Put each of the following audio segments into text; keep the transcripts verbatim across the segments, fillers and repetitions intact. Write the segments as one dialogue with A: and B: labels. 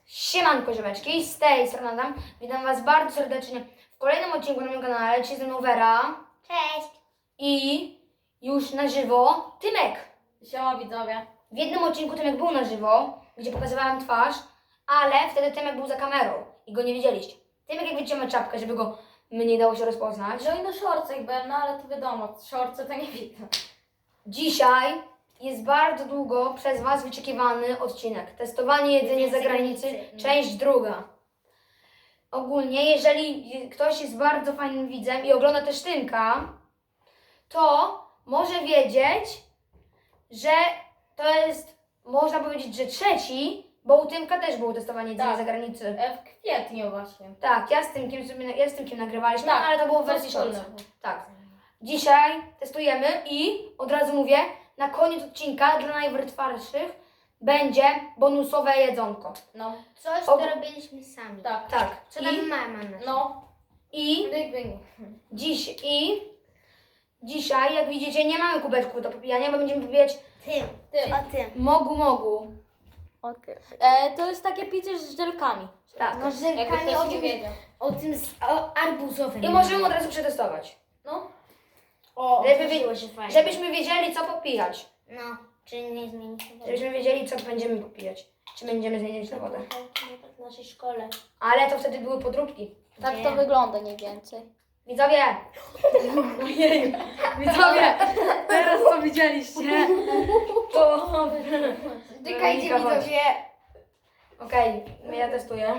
A: Siemanko ziomeczki, z tej strony Adam. Witam was bardzo serdecznie w kolejnym odcinku na moim kanale. Dzisiaj ze mną Wera.
B: Cześć!
A: I już na żywo Tymek.
C: Siema widzowie.
A: W jednym odcinku Tymek był na żywo, gdzie pokazywałam twarz, ale wtedy Tymek był za kamerą i go nie widzieliście. Tymek, jak widzicie, ma czapkę, żeby go nie dało się rozpoznać.
C: No i na szorcach byłem, no ale to wiadomo, szorce to nie widzę.
A: Dzisiaj jest bardzo długo przez was wyczekiwany odcinek. Testowanie jedzenia za granicy, część druga. Ogólnie, jeżeli ktoś jest bardzo fajnym widzem i ogląda też Tymka, to może wiedzieć, że to jest, można powiedzieć, że trzeci, bo u Tymka też było testowanie jedzenia
C: Tak.
A: za granicy.
C: E, W kwietniu właśnie.
A: Tak, ja z Tymkiem, sobie, ja z Tymkiem nagrywaliśmy,
C: Tak,
A: ale to było w
C: to
A: wersji
C: wspólne.
A: shorts. Tak. Dzisiaj testujemy i od razu mówię, na koniec odcinka dla najwytrwalszych będzie bonusowe jedzonko.
C: No,
B: Coś,
A: O-
B: co robiliśmy sami.
C: tak.
A: Tak.
B: Co nam
A: I,
B: mama nasza.
C: No,
A: i
C: dyg, dyg.
A: dziś i dzisiaj, jak widzicie, nie mamy kubeczków do popijania, bo będziemy popijać
B: Tym.
C: Ty.
B: O tym.
A: mogu mogu.
B: O tym.
C: E, to jest takie picie z żelkami.
A: Tak.
B: No
C: Jakby
B: żelkami
C: ktoś
B: o
C: nie
B: tym,
C: wiedział.
B: o tym z, o arbuzowym.
A: I możemy od razu przetestować.
C: No,
B: O,
A: Żeby
B: otworzyło
A: wie-
B: się fajnie.
A: Żebyśmy wiedzieli, co popijać.
B: No, czy nie zmieni się woda?
A: Żebyśmy wiedzieli, co będziemy popijać. Czy będziemy zmieniać na wodę.
B: Tak w naszej szkole.
A: Ale to wtedy były podróbki.
C: tak
B: Nie.
C: to wygląda mniej więcej.
A: Widzowie! Ojej! Widzowie! Teraz co widzieliście, to...
B: Czekajcie,
A: Weronika, chodź.
B: widzowie.
A: Okej, ja testuję.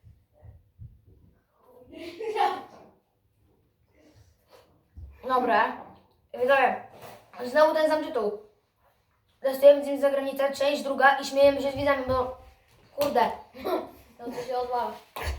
A: Dobra. Widzowie, znowu ten sam tytuł. Testujemy z za granicę, część druga i śmiejemy się z widzami, bo... Kurde.
C: No to się odwala.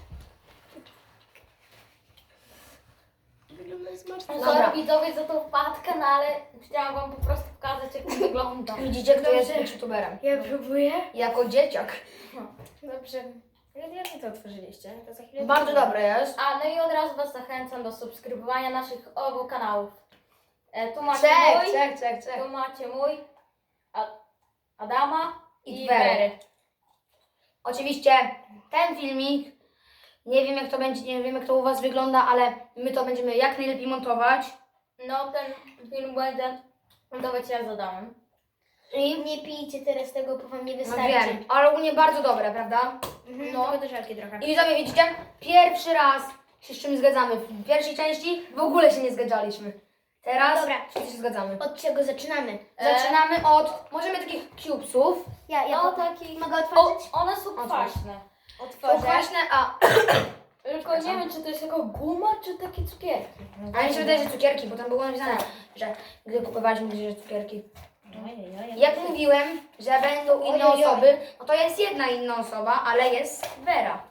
B: Wygląda smacznie.
A: Dobra.
C: Sorry widzowie za tą wpadkę, no ale chciałam wam po prostu pokazać jak to wygląda.
A: Widzicie, kto jest
B: Dobrze.
A: być youtuberem.
B: Ja próbuję.
A: Jako dzieciak.
B: Dobrze. Jak to otworzyliście? To za chwilę.
A: Bardzo dobre jest.
C: A, no i od razu was zachęcam do subskrybowania naszych obu kanałów. E, tu macie
A: Czek,
C: mój,
A: czek, czek, czek.
C: tu macie mój, A, Adama
A: I
C: i
A: Wery.
C: Wery.
A: Oczywiście ten filmik, nie wiem jak to będzie, nie wiem jak to u was wygląda, ale my to będziemy jak najlepiej montować.
C: No ten film będzie montować ja z Adamem.
A: I
B: Nie pijcie teraz tego, bo wam nie
A: no
B: wystarczy.
A: wiem, ale ogólnie bardzo dobre, prawda?
B: Mhm,
A: No.
B: tylko do żelki trochę.
A: I widzowie, widzicie, pierwszy raz się z czym zgadzamy. W pierwszej części w ogóle się nie zgadzaliśmy. Teraz
B: Dobra.
A: wszyscy się zgadzamy.
B: Od czego zaczynamy?
A: Zaczynamy od, możemy takich cubesów.
B: Ja, ja
C: No
B: po-
C: taki...
B: mogę
C: O,
B: otworzyć?
C: one są
A: Otwórz.
C: kwaśne.
A: Są
B: Otworzę.
A: kwaśne, a,
C: Tylko nie wiem, czy to jest jako guma, czy takie cukierki.
A: a mi się wydaje, że cukierki, bo tam było napisane,
C: Tak.
A: że gdy kupowaliśmy, że cukierki.
B: Ojej,
A: Jak mówiłem, że będą inne
B: Ojej, oj.
A: osoby, no to jest jedna inna osoba, ale jest Wera.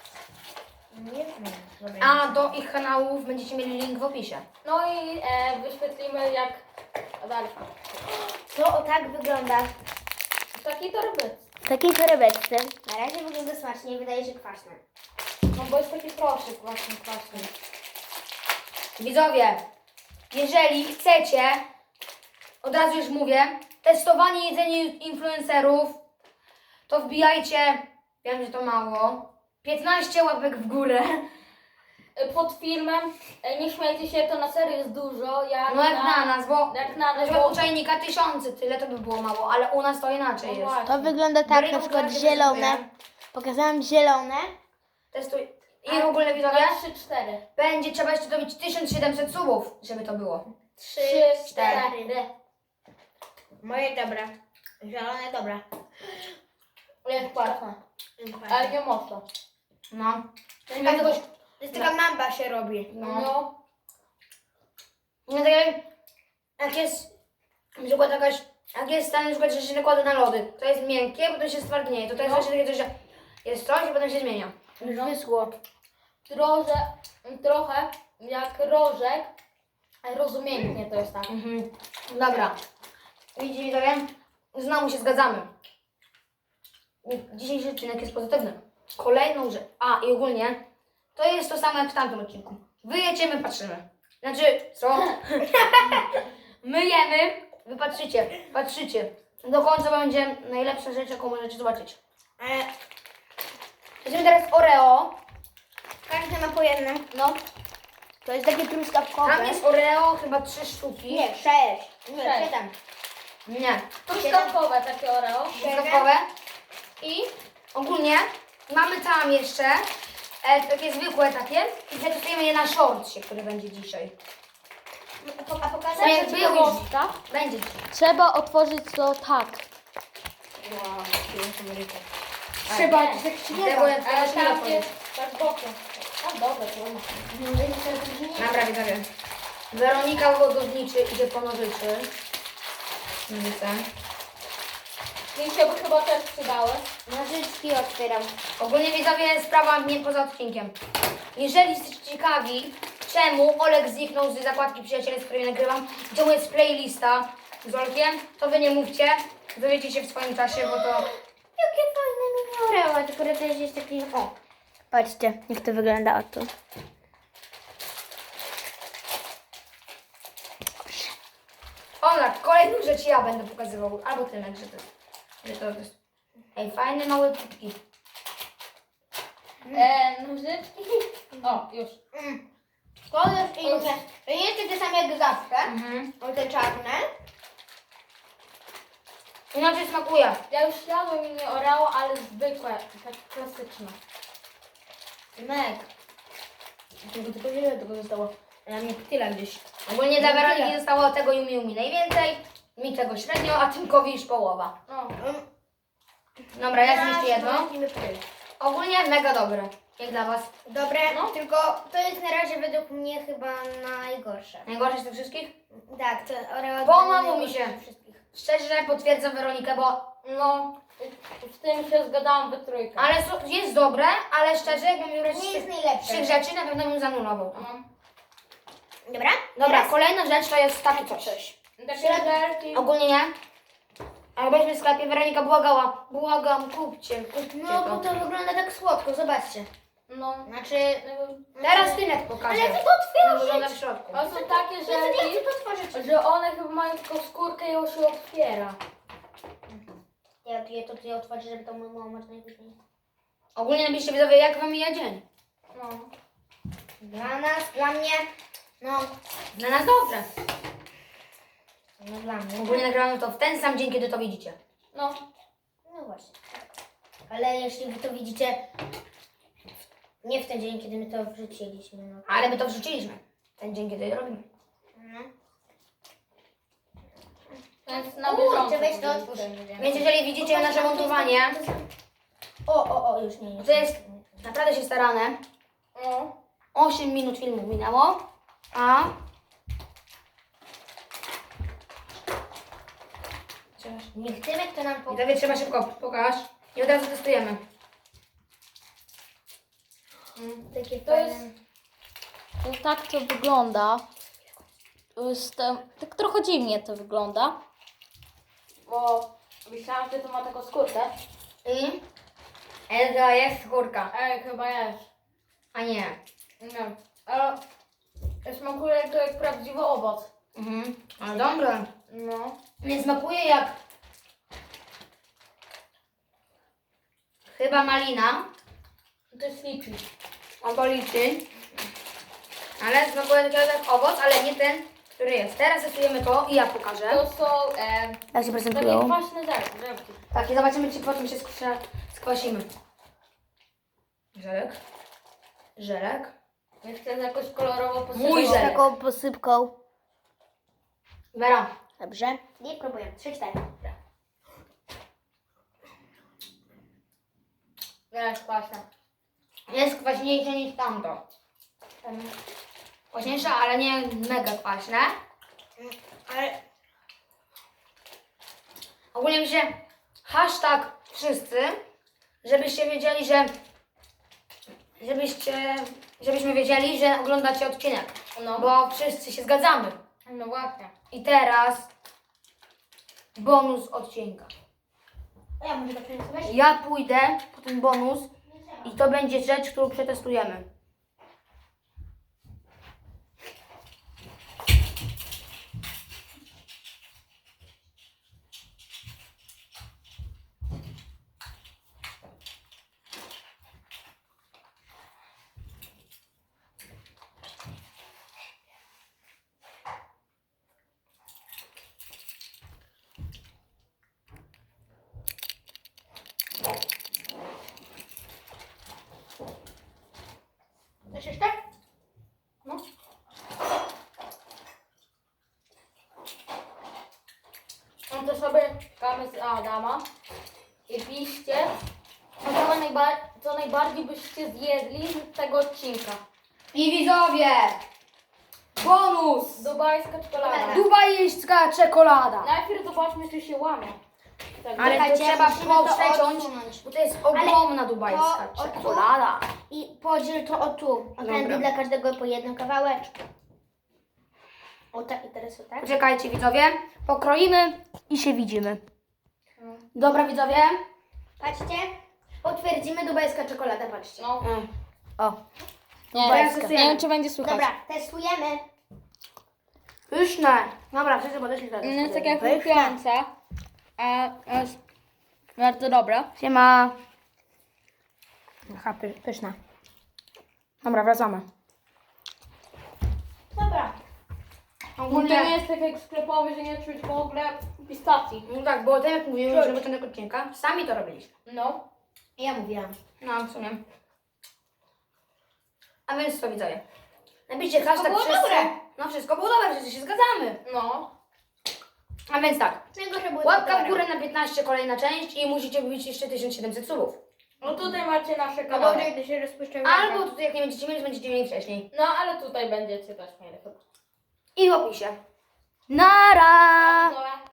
B: Nie wiem. Dobra.
A: A do ich kanałów będziecie mieli link w opisie.
C: No i e, wyświetlimy jak... A dalej.
B: To o tak wygląda.
C: W takiej torbeczce.
B: W takiej torebeczce. Na razie wygląda smacznie, wydaje się kwaśne.
C: No bo jest taki proszek właśnie kwaśny.
A: Widzowie, jeżeli chcecie, od razu już mówię, testowanie jedzenia influencerów, to wbijajcie, wiem, że to mało, piętnaście łapek w górę.
C: E, Pod filmem, e, nie śmiejcie się, to na serio jest dużo. Jak
A: No jak na nas, bo
C: Jak
A: na
C: na nas,
A: przykład
C: bo...
A: u czajnika tysiące, tyle to by było mało, ale u nas to inaczej
C: No
A: jest.
C: właśnie.
B: To wygląda tak,
A: Weryna
B: na przykład
A: pokaże,
B: zielone.
A: testuję.
B: Pokazałam zielone.
A: Testuj. I w ogóle widzowie,
C: Na trzy cztery.
A: będzie trzeba jeszcze dobić tysiąc siedemset subów, żeby to było.
B: Trzy,
A: cztery.
B: Moje dobra. Zielone dobra.
C: Jest kwaśne. Ale nie mocno.
A: No.
B: To
A: Ja czegoś,
B: To jest taka mamba się robi.
A: no.
C: No.
A: No tak jak, jak jest na przykład jakaś, jak jest ten na przykład, że się nakłada na lody, to jest miękkie, potem się stwardnieje. To, to jest
C: No.
A: właśnie takie coś, że jest coś i potem się zmienia.
B: Już wyschło.
C: Trochę, trochę jak rożek. ale Rozumiętnie to jest tak.
A: Mhm. Dobra. Widzicie widzowie? Znowu się zgadzamy. Dzisiejszy odcinek jest pozytywny. Kolejną rzecz. A i ogólnie to jest to samo jak w tamtym odcinku. Wy jecie, my patrzymy. Znaczy, co? My jemy, wy patrzycie, patrzycie. Do końca będzie najlepsza rzecz, jaką możecie zobaczyć.
B: Ale
A: Weźmiemy teraz Oreo.
B: Każdy ma po jednym.
A: No.
B: To jest takie truskawkowe.
A: Tam jest Oreo, chyba trzy sztuki.
B: Nie, sześć. Nie,
C: Sześć.
B: siedem.
A: Nie.
C: Truskawkowe takie Oreo.
A: Truskawkowe. I ogólnie mamy tam jeszcze e, takie zwykłe takie i przetestujemy je na shortsie, który będzie dzisiaj.
B: A, po, a pokazać?
A: To jest
C: Będzie
A: było
C: ciekawostka.
A: Będzie dzisiaj.
C: Trzeba otworzyć to tak.
A: Wow,
B: Trzeba
A: nie.
B: coś tak się nie
A: Tego
B: da.
A: ja
C: Ale
A: teraz nie
C: tam
A: otworzę.
C: jest tak bokiem. A dobra, to ma.
A: Dobra, widzowie. Weronika Wodowniczy idzie po nożyczy. Nożyce.
C: Mi się by chyba też przydały.
B: Nożyczki otwieram.
A: Ogólnie widzowie, sprawa mnie poza odcinkiem. Jeżeli jesteście ciekawi, czemu Olek zniknął z zakładki przyjaciele, z której nagrywam, gdzie mu jest playlista z Olkiem, to wy nie mówcie, dowiecie się w swoim czasie, bo to...
B: Jakie fajne mini Oreo, tylko to też jest taki... O, patrzcie, jak to wygląda oto.
A: Olek, kolejną rzecz ja będę pokazywał, albo ty, że to, że to jest... Ej, fajne małe kubki.
C: E, nożyczki. O, już.
B: Mm. To jest inne. To nie jest takie same jak zawsze.
A: Mhm.
B: O, te czarne.
A: Inaczej smakuje.
C: Ja już jadłem mini Oreo, ale zwykłe, tak klasyczne.
B: Mek.
A: Tylko tylko wiele tego zostało. A mnie tyle gdzieś. Ogólnie dla Weroniki zostało tego Yumi Yumi najwięcej, mi tego średnio, a Tymkowi już połowa.
C: No.
B: Mm.
A: Dobra, ja zniszczę jedno.
B: Weźmiemy pyl.
A: Ogólnie mega dobre. Jak dla was?
B: Dobre,
C: No.
B: tylko to jest na razie według mnie chyba najgorsze.
A: Najgorsze z tych wszystkich?
B: Tak, to Oreo...
A: Pomogło mi
B: najgorsze
A: się.
B: ze wszystkich.
A: Szczerze potwierdzam Weronikę, bo
C: No, z tym się zgadałam we trójkę.
A: ale so- jest dobre, ale szczerze jakbym miał brać
B: Nie jest
A: trzech,
B: najlepsze.
A: trzech rzeczy, na pewno bym zanulował.
C: No.
B: Dobra?
A: Dobra,
B: Teraz
A: kolejna rzecz to jest takie coś.
C: Takie żelki.
A: Ogólnie nie. Ale byliśmy w sklepie, Weronika błagała. Błagam, kupcie, kupcie
B: No, bo
A: to.
B: to wygląda tak słodko, zobaczcie.
C: No.
B: Znaczy...
A: Teraz Tymek pokaże.
B: Ale ty to
A: Jak
B: otwierasz!
A: wygląda w środku.
C: A są takie
B: Ja to nie chcę
C: żelki,
B: to otworzyć.
C: że one chyba mają tylko skórkę i ją się otwiera.
B: Ja, ja to ty otworzę, żeby to było można najpóźniej.
A: Ogólnie napiszcie widzowie, jak wam mija dzień.
C: No.
B: Dla nas, dla mnie, no,
A: Dla nas dobrze.
B: no dla mnie.
A: Ogólnie nagrywamy to w ten sam dzień, kiedy to widzicie.
C: No.
B: No właśnie. Ale jeśli wy to widzicie, nie w ten dzień, kiedy my to wrzuciliśmy, no.
A: Ale my to wrzuciliśmy. Ten dzień, kiedy to robimy.
B: no.
C: Więc na
B: Kurczę,
C: bieżąco.
B: weź to
C: będziemy
B: otwórz.
C: wiedzieli.
A: Więc jeżeli widzicie nasze montowanie,
B: O, o, o, już nie, nie.
A: to jest naprawdę się starane.
C: No.
A: osiem minut filmu minęło, a...
B: Niech Tymek to nam powie.
A: Widzowie, trzeba szybko, pokaż. I od razu testujemy.
B: Takie
C: To jest-
B: fajne.
C: No tak to wygląda. To jest, em, tak trochę dziwnie to wygląda. Bo myślałam, że to ma taką skórkę.
A: I... Elga jest skórka.
C: Ej, chyba jest.
A: A nie.
C: Nie. Ale smakuje jak, jak prawdziwy owoc.
A: Mhm. Ale dobre.
C: No.
A: Nie smakuje jak... Chyba malina.
C: To jest liczy.
A: Albo liczy. Ale smakuje tak jak owoc, ale nie ten, który jest. Teraz testujemy to i ja pokażę.
C: To są e,
B: Jak się
C: takie
B: prezentują?
C: kwaśne zer- żelki.
A: Tak, i zobaczymy, czy potem się skwa- skwasimy. Żelek. Żelek.
C: Nie chcę jakoś kolorowo posypać.
A: Mój żelek.
B: Taką posypką.
A: Vera.
B: Dobrze. Nie próbuję. Trzy, cztery.
C: Jest kwaśna.
A: Jest kwaśniejsze niż tamto. Kwaśniejsze, ale nie mega kwaśne.
B: Ale
A: Ogólnie mi się hashtag wszyscy, żebyście wiedzieli, że żebyście, żebyśmy wiedzieli, że oglądacie odcinek.
C: No.
A: Bo wszyscy się zgadzamy.
C: No właśnie.
A: I teraz bonus odcinka.
B: ja może to przenieść?
A: Ja pójdę po ten bonus i to będzie rzecz, którą przetestujemy.
C: zaczynamy z Adama. I piszcie, co, najba- co najbardziej byście zjedli z tego odcinka.
A: I widzowie, bonus!
C: Dubajska czekolada.
A: Dubajska czekolada.
C: Najpierw zobaczmy, czy się łamie. Tak,
A: Ale to
B: Czekajcie,
A: trzeba
B: musimy to
A: przeciąć,
B: odsunąć.
A: bo to jest ogromna dubajska
B: to od-
A: czekolada.
B: I podziel to o tu. O tędy
A: Dobra.
B: dla każdego po jednym kawałeczku. O tak i teraz o tak.
A: Poczekajcie widzowie, pokroimy i się widzimy. Dobra widzowie?
B: Patrzcie. Potwierdzimy dubajska czekolada, patrzcie.
C: No.
A: O,
C: Nie,
A: Dubajska.
C: nie wiem, czy będzie słychać.
B: Dobra, testujemy.
A: pyszne. Dobra, wszyscy podeszli teraz.
C: No, jest tak jak chrupiąca, a jest bardzo dobra.
A: Siema. Aha, py, pyszna. Dobra, wracamy.
B: Dobra.
C: To nie
A: Ogólnie,
C: jest tak jak sklepowy, że nie czuć w ogóle pistacji.
A: no tak, bo tak jak mówiłem już na początku odcinka, sami to robiliśmy.
C: No.
B: Ja mówiłam.
A: No, w sumie. A więc co widzowie? Napiszcie hashtag
B: było
A: wszyscy.
B: dobre.
A: No wszystko było dobre, wszyscy się zgadzamy.
C: No.
A: A więc tak,
B: Najgorsze były
A: łapka
B: te
A: w górę na piętnaście, kolejna część i musicie wbić jeszcze tysiąc siedemset subów.
C: No tutaj macie nasze
B: No
C: kanały.
B: dobrze, gdy się rozpuszczają.
A: Albo tutaj jak nie będziecie mieli, to będziecie mieli wcześniej.
C: No ale tutaj będziecie też mieli chyba.
A: I w opisie. Nara!
C: Dobra.